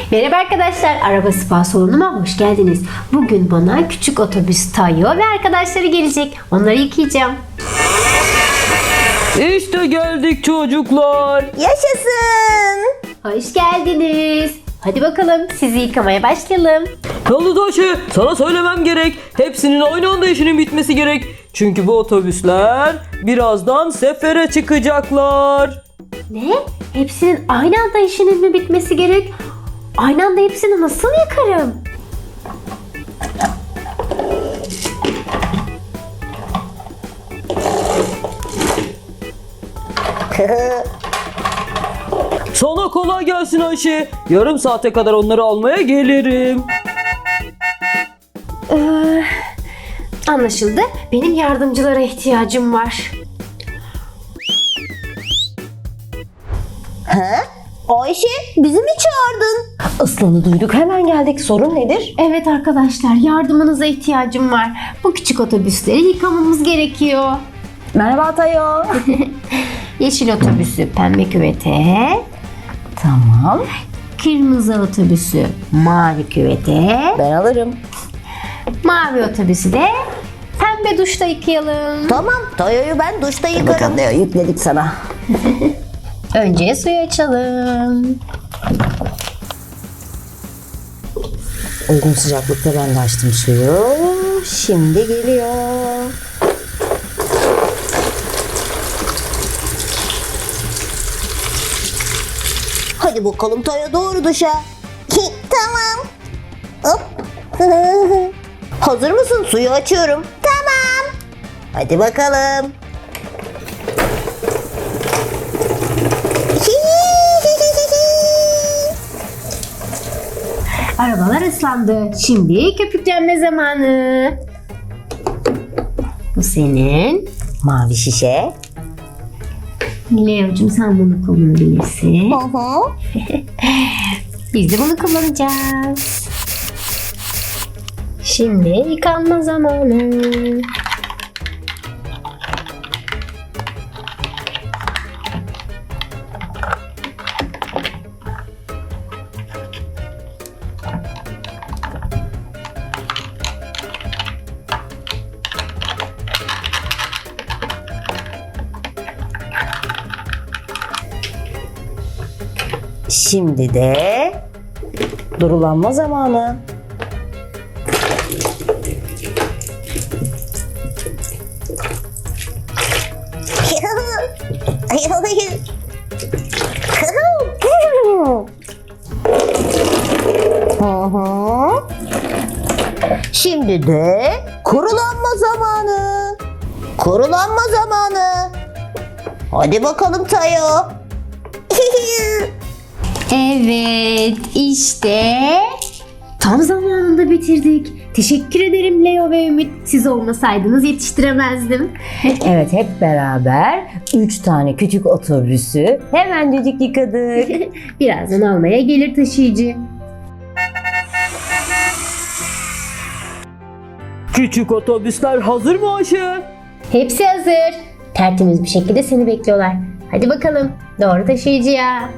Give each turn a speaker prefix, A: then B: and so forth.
A: Merhaba arkadaşlar, araba spa salonuma hoş geldiniz. Bugün bana küçük otobüs Tayo ve arkadaşları gelecek. Onları yıkayacağım.
B: İşte geldik çocuklar.
C: Yaşasın.
A: Hoş geldiniz. Hadi bakalım sizi yıkamaya başlayalım.
B: Yalıtaşı, sana söylemem gerek. Hepsinin aynı anda işinin bitmesi gerek. Çünkü bu otobüsler birazdan sefere çıkacaklar.
A: Ne? Hepsinin aynı anda işinin mi bitmesi gerek? Aynı anda hepsini nasıl yıkarım?
B: Sana kolay gelsin Ayşe. Yarım saate kadar onları almaya gelirim.
A: Anlaşıldı. Benim yardımcılara ihtiyacım var.
C: Ayşe, bizi mi çağırdın? Aslanı duyduk, hemen geldik. Sorun nedir?
A: Evet arkadaşlar, yardımınıza ihtiyacım var. Bu küçük otobüsleri yıkamamız gerekiyor.
C: Merhaba Tayo.
A: Yeşil otobüsü pembe küvete,
C: Tamam,
A: kırmızı otobüsü mavi küvete,
C: ben alırım.
A: mavi otobüsü de pembe duşta yıkayalım.
C: Tamam, Tayo'yu ben duşta yıkarım. Tayo, yükledik sana.
A: Önce suyu açalım.
C: Uygun sıcaklıkta ben de açtım suyu. Şimdi geliyor. Hadi bakalım Tayo, doğru duşa. Tamam. Hop. Hazır mısın? Suyu açıyorum. Tamam. Hadi bakalım.
A: Arabalar ıslandı. Şimdi köpüklenme zamanı. Bu senin.
C: Mavi şişe.
A: Leo'cum sen bunu kullanabilirsin.
C: Hı.
A: Biz de bunu kullanacağız. Şimdi yıkanma zamanı.
C: Şimdi de durulanma zamanı. Şimdi de kurulanma zamanı. Kurulanma zamanı. Hadi bakalım Tayo.
A: Evet, işte tam zamanında bitirdik. Teşekkür ederim Leo ve Ümit. Siz olmasaydınız yetiştiremezdim.
C: Evet, hep beraber 3 tane küçük otobüsü hemencecik yıkadık.
A: Birazdan almaya gelir taşıyıcı.
B: Küçük otobüsler hazır mı Ayşe?
A: Hepsi hazır. Tertemiz bir şekilde seni bekliyorlar. Hadi bakalım, doğru taşıyıcıya.